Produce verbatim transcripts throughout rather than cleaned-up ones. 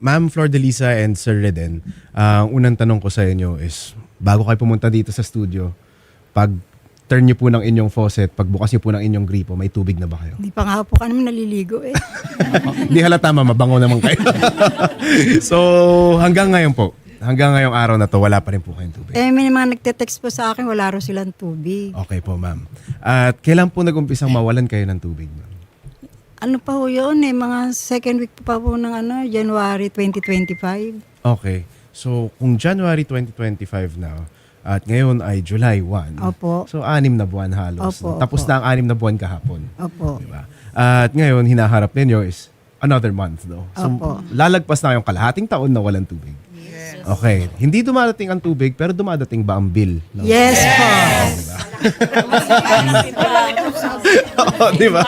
Ma'am Flordelisa and Sir Reden, ang unang tanong ko sa inyo is, bago kayo pumunta dito sa studio, pag turn niyo po ng inyong faucet, pagbukas niyo po ng inyong gripo, may tubig na ba kayo? Hindi pa nga po kami naliligo eh. Hindi halata, ma'am, mabango naman kayo. So, hanggang ngayon po, hanggang ngayong araw na to, wala pa rin po kayong tubig. Eh, may mga nagte-text po sa akin, wala raw silang tubig. Okay po, ma'am. At kailan po nag-umpisang mawalan kayo ng tubig, ma'am? Ano pa ho yun eh, mga second week pa po ng ano, January twenty twenty-five. Okay. So, kung January twenty twenty-five na, at ngayon ay July first. Opo. So, anim na buwan halos. Opo, Tapos opo. na ang anim na buwan kahapon. Opo. Diba? At ngayon, hinaharap ninyo is another month, no? So, Opo. lalagpas na kayong kalahating taon na walang tubig. Okay. Hindi dumadating ang tubig, pero dumadating ba ang bill? No? Yes po. Oo, di ba?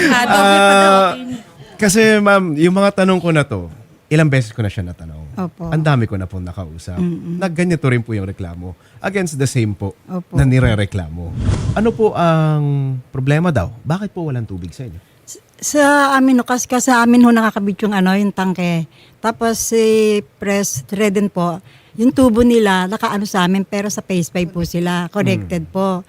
Ah, kasi ma'am, yung mga tanong ko na to, ilang beses ko na siya natanong. Opo. Ang dami ko na pong nakausap. Nagganito rin po yung reklamo. Against the same po Opo. na nire-reklamo. Ano po ang problema daw? Bakit po walang tubig sa inyo? Sa amin, no, kasi kasi sa amin ho nakakabit yung ano, yung tangke. Tapos si Press Reden po, yung tubo nila nakaano sa amin pero sa phase five po sila, connected po.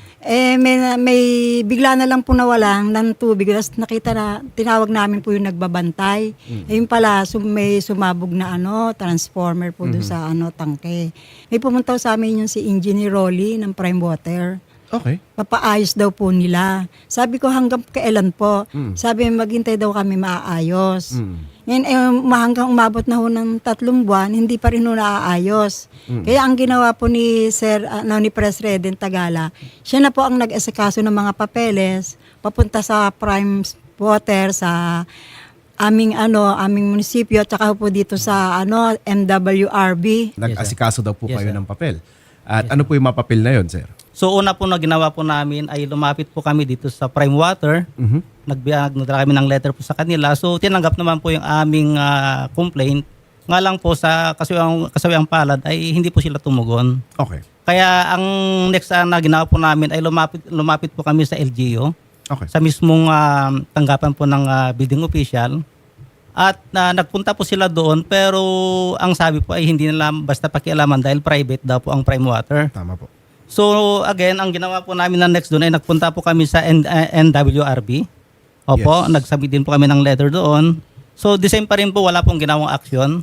Eh may, may bigla na lang po nawalan ng tubig. Tapos nakita na, tinawag namin po yung nagbabantay. Eh yung pala, sum, may sumabog na ano, transformer po doon sa ano, tangke. May pumunta sa amin yung si Engineer Rolly ng Prime Water. Okay. Papaayos daw po nila. Sabi ko hanggang kailan po? Sabi maghintay daw kami maaayos. Mm. Ngayon eh, hanggang umabot na ho ng tatlong buwan, hindi pa rin ho naaayos. Kaya ang ginawa po ni Sir, ano, ni President Tagala, siya na po ang nag-asikaso ng mga papeles, papunta sa Prime Water, sa aming ano, aming munisipyo, at saka po dito sa ano, M W R B. Nag-asikaso daw po Yes, kayo sir. ng papel. At ano po yung mga papel na yun, sir? So una po na ginawa po namin ay lumapit po kami dito sa Prime Water. Mhm. Nagbiyag nagdala kami ng letter po sa kanila. So tinanggap naman po yung aming ah, complaint. Nga lang po sa kasawiang, kasawiang palad ay hindi po sila tumugon. Okay. Kaya ang next ah, na ginawa po namin ay lumapit, lumapit po kami sa L G U. Okay. Sa mismong ah, tanggapan po ng ah, building official. At ah, nagpunta po sila doon pero ang sabi po ay hindi nila basta pakialaman dahil private daw po ang Prime Water. Tama po. So again, ang ginawa po namin na next doon ay nagpunta po kami sa N- uh, N W R B. Opo, Yes. nagsubmit din po kami ng letter doon. So the same pa rin po, wala pong ginawang action.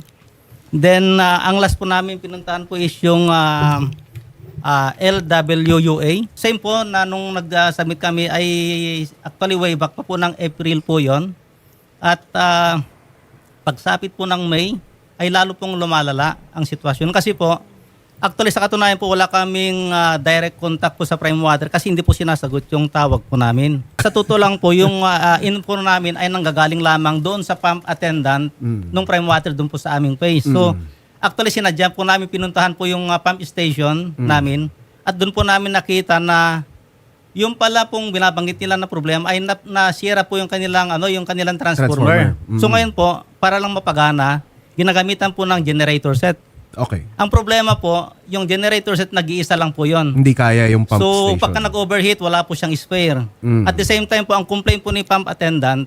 Then uh, ang last po namin pinuntahan po is yung uh, uh, L W U A. Same po na nung nag-submit kami ay actually way back pa po ng April po yon. At uh, pagsapit po ng May ay lalo pong lumalala ang sitwasyon. Kasi po, actually, sa katunayan po, wala kaming ah, direct contact po sa Prime Water kasi hindi po sinasagot yung tawag po namin. Sa totoo lang po, yung ah, ah, info namin ay nanggagaling lamang doon sa pump attendant nung Prime Water doon po sa aming place. So, actually, sinadya po namin, pinuntahan po yung ah, pump station namin at doon po namin nakita na yung pala pong binabanggit nila na problema ay na, nasira po yung kanilang ano yung kanilang transformer. Transformer. So ngayon po, para lang mapagana, ginagamitan po ng generator set. Okay. Ang problema po, yung generator set nag-iisa lang po yon. Hindi kaya yung pump So, station. pagka nag-overheat, wala po siyang spare. Mm. At the same time po, ang complaint po ni pump attendant,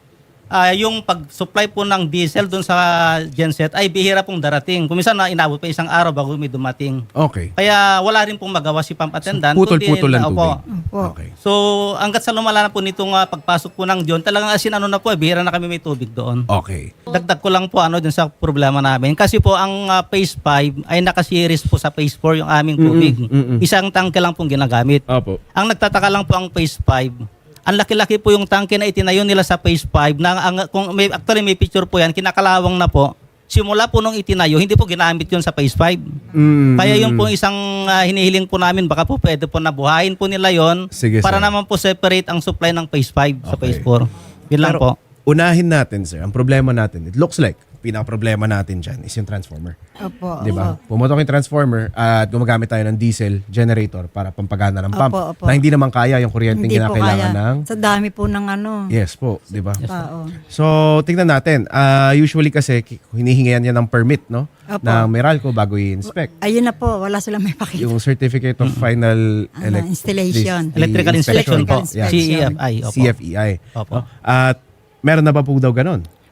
ah, yung pag-supply po ng diesel dun sa genset ay bihira pong darating. Kung minsan na inabot pa isang araw bago may dumating. Okay. Kaya wala rin pong magawa si pump attendant. Putol-putol kundi- ang Opo. tubig. Opo. Okay. So, hanggat sa lumala na po nitong ah, pagpasok po ng John, talagang asin ano na po, eh, bihira na kami may tubig doon. Okay. Dagdag ko lang po ano dun sa problema namin. Kasi po ang ah, phase five ay nakasiris po sa phase four yung aming tubig. mm-mm. Isang tangke lang pong ginagamit. Opo. Ang nagtataka lang po ang phase five. Ang laki-laki po yung tangke na itinayo nila sa phase five na ang, kung may, actually may picture po yan, kinakalawang na po. Simula po nung itinayo, hindi po ginamit yun sa phase five. Mm. Kaya yung po isang ah, hinihiling po namin, baka po pwede po nabuhayin po nila yon Sige, para sir. naman po separate ang supply ng phase five sa Okay. phase four. Yun lang Pero, po. unahin natin, sir. Ang problema natin, it looks like, pinaka-problema natin dyan is yung transformer. Opo. Di ba? Pumotok yung transformer at gumagamit tayo ng diesel generator para pampagana ng pump. Opo, opo. Na hindi naman kaya yung kuryenteng Hindi po kinakailangan kaya. ng... Sa dami po ng ano. Yes po, di ba? Tao. So, tingnan natin. Ah, usually kasi, ki- hinihingihan niya ng permit, no? Opo. Ng Meralco bago i-inspect. Ayun na po, wala silang may pakita. Yung Certificate of Final Ano, elec- installation. the Electrical inspection po. Electrical Yeah. C E F I. Opo. C F E I. Opo. No? At meron na ba po daw ganun?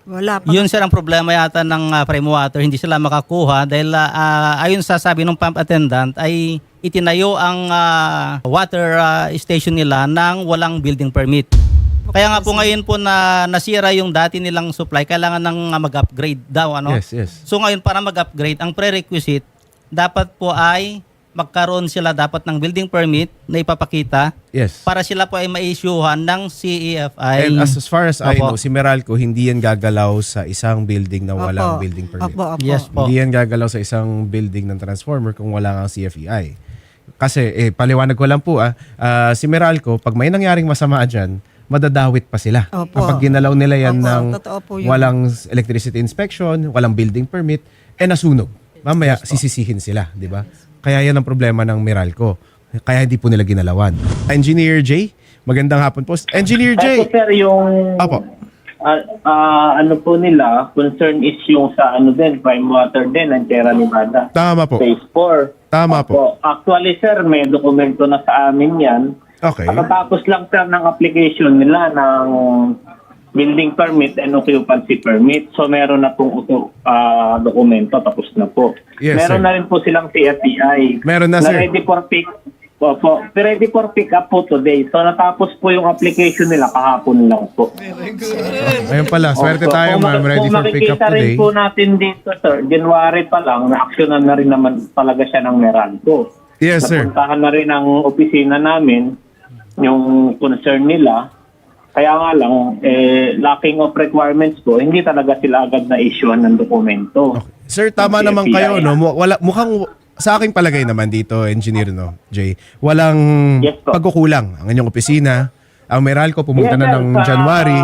Wala pa. Yun sir ang problema yata ng uh, Prime Water, hindi sila makakuha dahil ah, ah, ayon sa sabi ng pump attendant ay itinayo ang ah, water ah, station nila ng walang building permit. Kaya nga po ngayon po na nasira yung dati nilang supply, kailangan nang ah, mag-upgrade daw ano. Yes, yes. So ngayon para mag-upgrade, ang prerequisite dapat po ay magkaroon sila dapat ng building permit na ipapakita Yes. para sila po ay ma-issuehan ng C E F I. And as, as far as I Opo. know, si Meralco hindi yan gagalaw sa isang building na walang Opo. building permit. Opo, opo. Yes po. Hindi yan gagalaw sa isang building ng transformer kung wala kang C F E I. Kasi, eh, paliwanag ko lang po, ah, ah, si Meralco, pag may nangyaring masama dyan, madadawit pa sila. Opo. Kapag ginalaw nila yan Opo, ng totoo po yun. walang electricity inspection, walang building permit, eh nasunog. Mamaya, sisisihin sila, di ba? Kaya yan ang problema ng Meralco. Kaya hindi po nila ginalawan. Engineer J, magandang hapon po. Engineer J! Ito sir, yung Apo. ah, ah, ano po nila, concern is yung sa ano din, Prime Water din, ng Sierra Nevada. Tama po. Phase four. Tama po. Opo. Actually sir, may dokumento na sa amin yan. Okay. Pagkatapos lang sir ng application nila ng building permit and occupancy permit. So meron na pong ah, dokumento, tapos na po. Yes, meron sir. na rin po silang C F E I. Meron na, sir. ready for pick. Opo, ready for pick up po today. So natapos po yung application nila kahapon lang po. Ayun pala, swerte Opo. tayo Kung ma'am. maki- Ready kung for pick up makikita rin today. po natin dito, sir, January pa lang, na-actionan na rin naman talaga siya ng Meralco. Yes, sir. Napuntahan na rin ang opisina namin, yung concern nila. Kaya nga lang, eh, lacking of requirements po, hindi talaga sila agad na-issuean ng dokumento. Sir, tama Ng naman C F E I. kayo, no? Mu- Wala, mukhang, sa aking palagay naman dito, engineer, no, Jay, walang Yes, po. pagkukulang ang inyong opisina. Ang Meralco pumunta Yes, na sir, ng sa- January.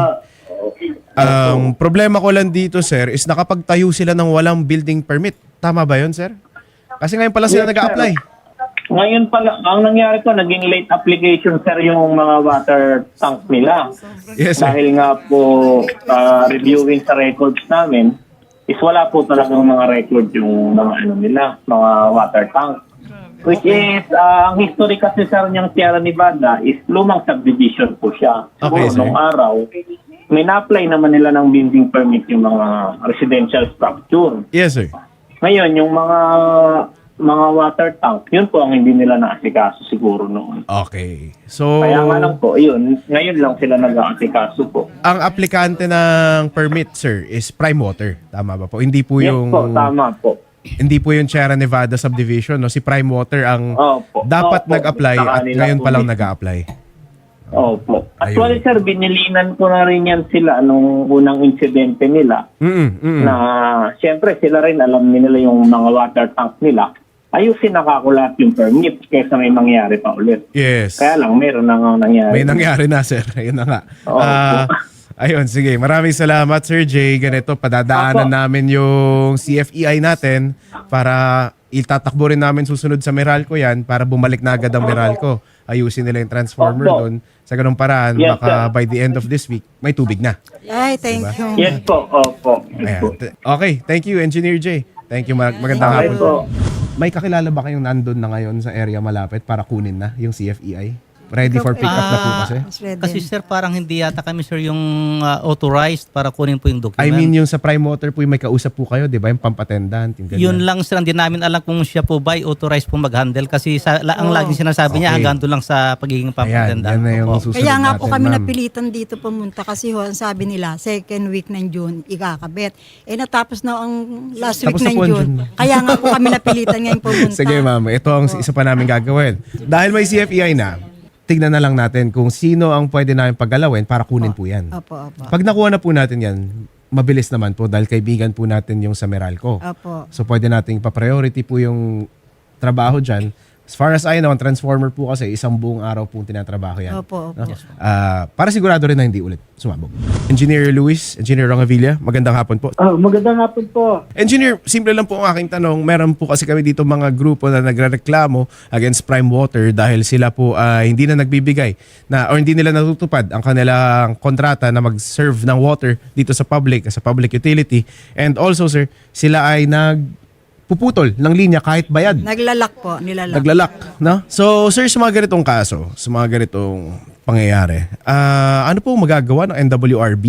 Ang problema ko lang dito, sir, is nakapagtayo sila ng walang building permit. Tama ba yun, sir? Kasi ngayon pala sila Yes, nag-a-apply. sir. Ngayon pala, ang nangyari ko, naging late application, sir, yung mga water tank nila. Yes, sir. Dahil nga po, ah, reviewing sa records namin, is wala po talagang mga record yung mga ano nila, mga water tank. Which is, ah, ang history kasi, sir, niyang Sierra Nevada is lumang subdivision po siya. Okay, Siguro sir. nung araw, may na-apply naman nila ng building permit yung mga residential structure. Yes, sir. Ngayon, yung mga mga water tank, yun po ang hindi nila naasikaso siguro noon. Okay. So, Kaya nga lang po, yun, ngayon lang sila nag-aasikaso po. ang aplikante ng permit, sir, is Prime Water. Tama ba po? Hindi po Yes yung... po, tama po. Hindi po yung Sierra Nevada subdivision, no? Si Prime Water ang Opo. dapat Opo. nag-apply Sa at kanila ngayon po pa lang mismo. nag-a-apply. Opo. Actually, sir, binilinan ko na rin yan sila nung unang insidente nila Mm, mm. na siyempre sila rin alam nila yung mga water tank nila. Ayusin nakakulat yung permit kaysa may mangyari pa ulit. Yes. Kaya lang, meron na nga nangyari. May nangyari na, sir. Ayun na nga. Oo. Ah, ayun, sige. Maraming salamat, Sir Jay. Ganito, padadaanan Opo. namin yung C F E I natin para itatakbo rin namin susunod sa Meralco yan para bumalik na agad ang Meralco. Ayusin nila yung transformer Opo. doon. Sa ganung paraan, Yes, baka sir. by the end of this week, may tubig na. Ay, thank you. Yes po, opo. Ayan. Yes po. T- Okay, thank you, Engineer Jay. Thank you, mag- magandang Okay hapon po. May kakilala ba kayong nandun na ngayon sa area malapit para kunin na yung C F E I? Ready for pick up na po Ah, kasi? Mas ready. Kasi sir, parang hindi yata kami sir yung ah, authorized para kunin po yung document. I mean, yung sa Prime Water po, yung may kausap po kayo, di ba? Yung pump attendant, yung ganyan. Yun lang sir, hindi namin alam kung siya po ba ay authorized po mag-handle kasi sa, la, ang laging sinasabi niya Okay. hanggang doon lang sa pagiging pump Ayan, attendant. yan na yung Opo. susunod Kaya nga po natin, kami ma'am. napilitan dito pumunta kasi ho, ang sabi nila, second week ng June, ikakabit. Eh natapos na ang last Tapos na week ng po ang June. June. Kaya nga po kami napilitan ngayon pumunta. Sige, ma'am. Ito ang isa pa namin gagawin. Dahil may C F E I na, tignan na lang natin kung sino ang pwede namin paggalawin para kunin po yan. Opo, opo. Pag nakuha na po natin yan, mabilis naman po dahil kaibigan po natin yung sa Meralco. Opo. So pwede nating pa-priority po yung trabaho dyan. As far as I know, ang transformer po kasi isang buong araw po tinatrabaho yan. Opo, opo. No? Ah, para sigurado rin na hindi ulit sumabog. Engineer Luis, Engineer Rongavilla, magandang hapon po. Oh, magandang hapon po. Engineer, simple lang po ang aking tanong. Meron po kasi kami dito mga grupo na nagrereklamo against Prime Water dahil sila po ay hindi na nagbibigay na or hindi nila natutupad ang kanilang kontrata na mag-serve ng water dito sa public, sa public utility. And also, sir, sila ay nag puputol ng linya kahit bayad. Naglalak po, nilalak. Naglalak, no? So, sir, sa mga ganitong kaso, sa mga ganitong pangyayari, ah, ano po magagawa ng N W R B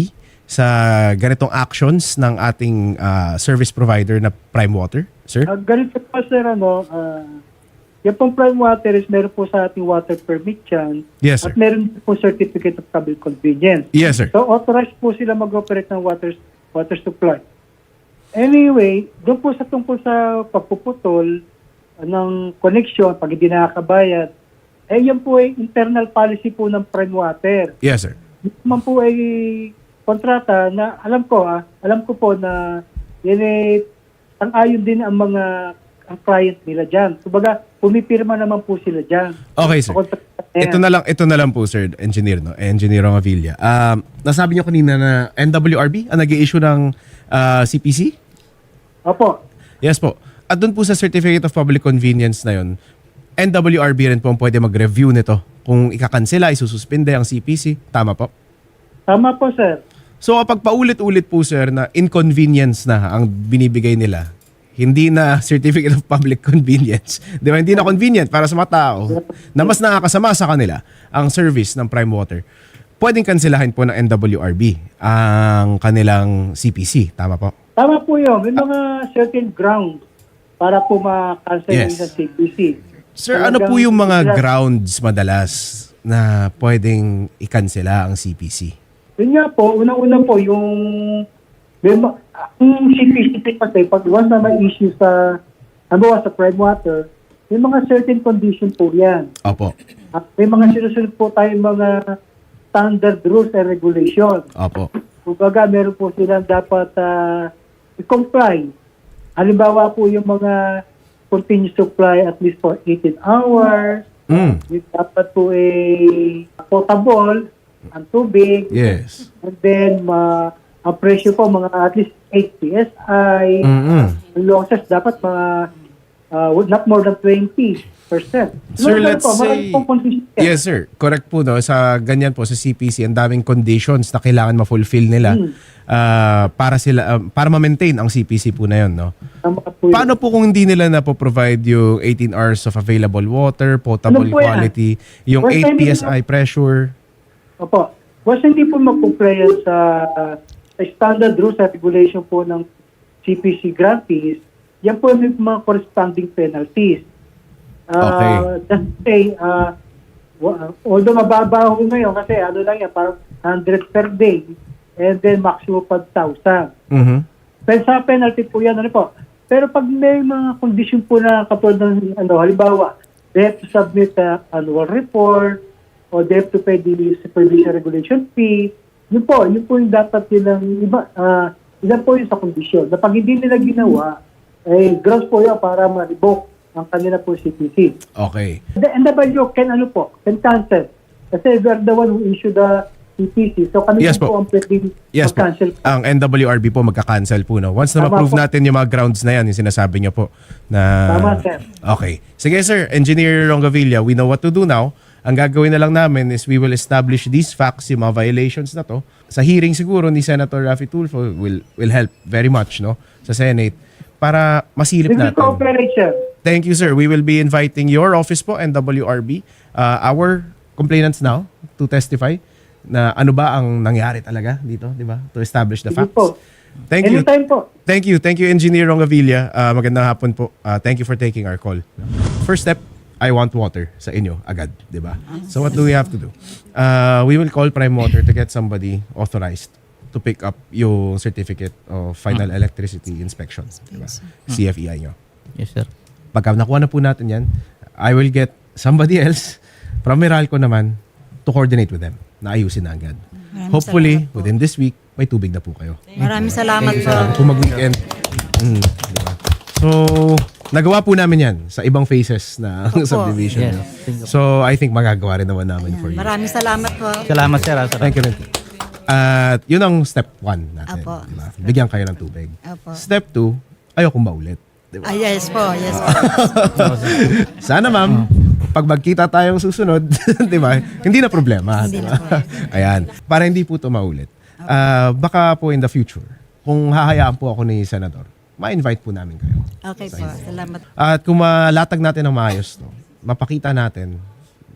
sa ganitong actions ng ating ah, service provider na Prime Water, sir? Uh, ganito po sir, ano, uh, yung pong prime water is meron po sa ating water permit yan. Yes, sir. At meron po certificate of public convenience. Yes, sir. So authorized po sila mag-operate ng water, water supply. Anyway, doon po sa tungkol sa pagpuputol uh, ng connection, pag hindi nakakabayad, eh yan po ay internal policy po ng prime water. Yes, sir. Ito man po ay kontrata na alam ko ah, alam ko po na yan eh, ang ayon din ang mga ang client nila dyan. Kumbaga, pumipirma naman po sila dyan. Okay, sir. Sa kontrata na yan. Ito na lang, ito na lang po, sir, engineer, no? Engineer Ongavilla. Um, nasabi niyo kanina na N W R B ang nag-i-issue ng ah, C P C? Opo. Yes po. At doon po sa Certificate of Public Convenience na yun, N W R B rin po ang pwede mag-review nito. Kung ikakansela, isususpinde ang C P C. Tama po? Tama po, sir. So kapag paulit-ulit po, sir, na inconvenience na ang binibigay nila, hindi na Certificate of Public Convenience, di ba? Hindi na convenient para sa mga tao na mas nakakasama sa kanila ang service ng Prime Water. Pwedeng kanselahin po ng N W R B ang kanilang C P C. Tama po? Tama po yun. May mga certain grounds para po ma-cancel Yes. ng C P C. Sir, ano po Talagang- yung mga grounds madalas na pwedeng ikansela ang C P C? Yun nga po, unang-una po yung may ma- ang C P C kasi pag once na may issue sa halimbawa sa prime water, may mga certain condition po yan. Opo. At may mga sinusunod po tayong mga standard rules and regulation. Opo. Kumbaga, meron po silang dapat uh, i-comply. Halimbawa po yung mga continuous supply at least for eighteen hours. Mm. Yung dapat po eh, potable ang tubig. Yes. And then, ma ang presyo po, mga at least eight P S I. Mm-mm. Ang losses dapat mga uh, not more than twenty percent. Sir, let's say... Yes. Yes, sir. Correct po, no? Sa ganyan po, sa C P C, ang daming conditions na kailangan ma-fulfill nila ah, para sila ah, para ma-maintain ang C P C po na yun, no? Paano po kung hindi nila na po-provide yung eighteen hours of available water, potable Ano po yan? quality, yung First eight time P S I pressure? Opo. Once hindi po mag-comply sa, sa standard rules at regulation po ng C P C grantees, yan po may mga corresponding penalties. Uh, Okay. Just say, uh, wa- although mababa ho ngayon kasi ano lang yan, parang one hundred per day and then maximum five thousand. Mhm. Pero sa penalty po yan, ano po. Pero pag may mga condition po na katulad ng, ano, halimbawa, they have to submit a annual report or they have to pay the supervision regulation fee, yun po, yun po yung dapat nilang iba, ah, ilan po yung sa kondisyon. Na pag hindi nila ginawa, eh, gross po yun para ma-revoke ang kanila po C P C. Okay. The N W can ano po, can cancel. Kasi they're the one who issue the C P C. So kami Yes po po. ang pwedeng Yes po. mag-cancel. Ang N W R B po magka-cancel po, no? Once na Tama ma-prove po. natin yung mga grounds na yan, yung sinasabi niyo po na... Tama, sir. Okay. Sige, sir. Engineer Ongavilla, we know what to do now. Ang gagawin na lang namin is we will establish these facts, yung mga violations na to. Sa hearing siguro ni Senator Raffy Tulfo will will help very much, no? Sa Senate para masilip We will natin. cooperate, sir. Thank you, sir. We will be inviting your office po, N W R B, uh, our complainants now to testify na ano ba ang nangyari talaga dito, di ba? To establish the Sige facts. po. Thank you. Anytime po. Thank you. Thank you, Engineer Ongavilla. Uh, magandang hapon po. Uh, thank you for taking our call. First step, I want water sa inyo agad, di ba? So what do we have to do? Uh, we will call Prime Water to get somebody authorized to pick up yung certificate of final electricity inspection, di ba? C F E I nyo. Yes, sir. Pagka nakuha na po natin yan, I will get somebody else from Meralco naman to coordinate with them na ayusin na agad. Maraming Hopefully, salamat po. within this week, may tubig na po kayo. Maraming salamat po. Sa kung mag-weekend. Mm, diba? So, nagawa po namin yan sa ibang phases na Opo. subdivision. Yes. no? So, I think magagawa rin naman namin for you. Maraming salamat po. Salamat, sir. ah, Salamat. Thank you rin. At yun ang step one natin. Apo. Diba? Bigyan kayo ng tubig. Apo. Step two, ayokong maulit. Diba? Ah, yes po, yes po. Sana ma'am, pag magkita tayong susunod, di ba? Hindi na problema. Hindi di na ba? Ayan. Para hindi po ito maulit. Ah, baka po in the future, kung hahayaan po ako ni Senador, ma-invite po namin kayo. Okay po, salamat. At kung malatag natin ng maayos to, mapakita natin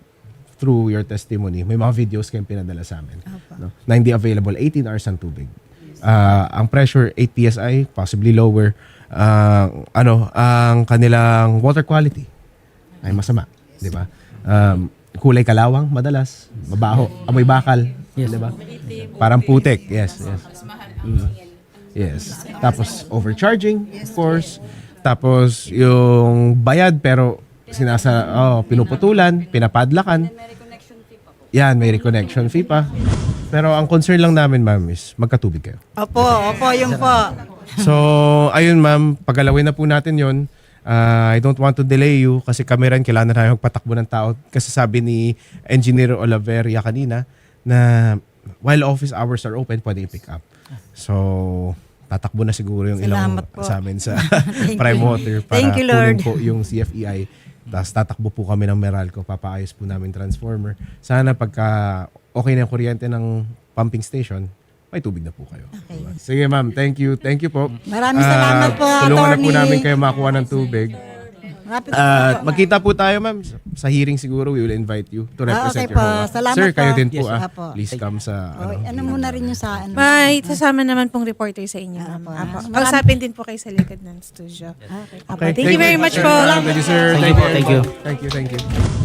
through your testimony, may mga videos kayong pinadala sa amin. No? Na hindi available eighteen hours ang tubig. Ah, ang pressure eight P S I, possibly lower. Ang ano, ang kanilang water quality ay masama, 'di ba? Um, kulay kalawang madalas, mabaho, amoy bakal, 'di ba? Parang putik. Yes, yes. Mm. Yes. Tapos overcharging, of course. Tapos yung bayad pero sinasa oh, pinuputulan, pinapadlakan. Yan, may reconnection fee pa. Pero ang concern lang namin, ma'am, is magkatubig kayo. Opo, opo, yun po. So, ayun ma'am, pagalawin na po natin yon. Uh, I don't want to delay you kasi kami rin kailangan na tayo magpatakbo ng tao. Kasi sabi ni Engineer Olaveria kanina na while office hours are open, pwede i-pick up. So, tatakbo na siguro yung ilang Salamat po. sa amin sa Thank Prime you. Water para Thank you, Lord. kunin po yung C F E I. Tapos tatakbo po kami ng Meralco, papaayos po namin transformer. Sana pagka okay na yung kuryente ng pumping station, may tubig na po kayo. Okay. Diba? Sige ma'am, thank you. Thank you po. Maraming salamat Ah, po, Tulungan na po Attorney. namin kayo makuha ng tubig. Rapid At magkita po tayo ma'am sa hearing siguro. We will invite you to Ah, represent okay your po. H O A. Salamat Sir, po. kayo din po Yes, ah. apo. Please come sa Oh, ano. ano muna rin yung sa ano? May sasama naman pong reporter sa inyo, ma'am. Apo. Apo. Marami- Kausapin din po kayo sa likod ng studio. Okay. Apo. Thank you very much po. Thank you, sir. Thank you po, thank you. Thank you, thank you.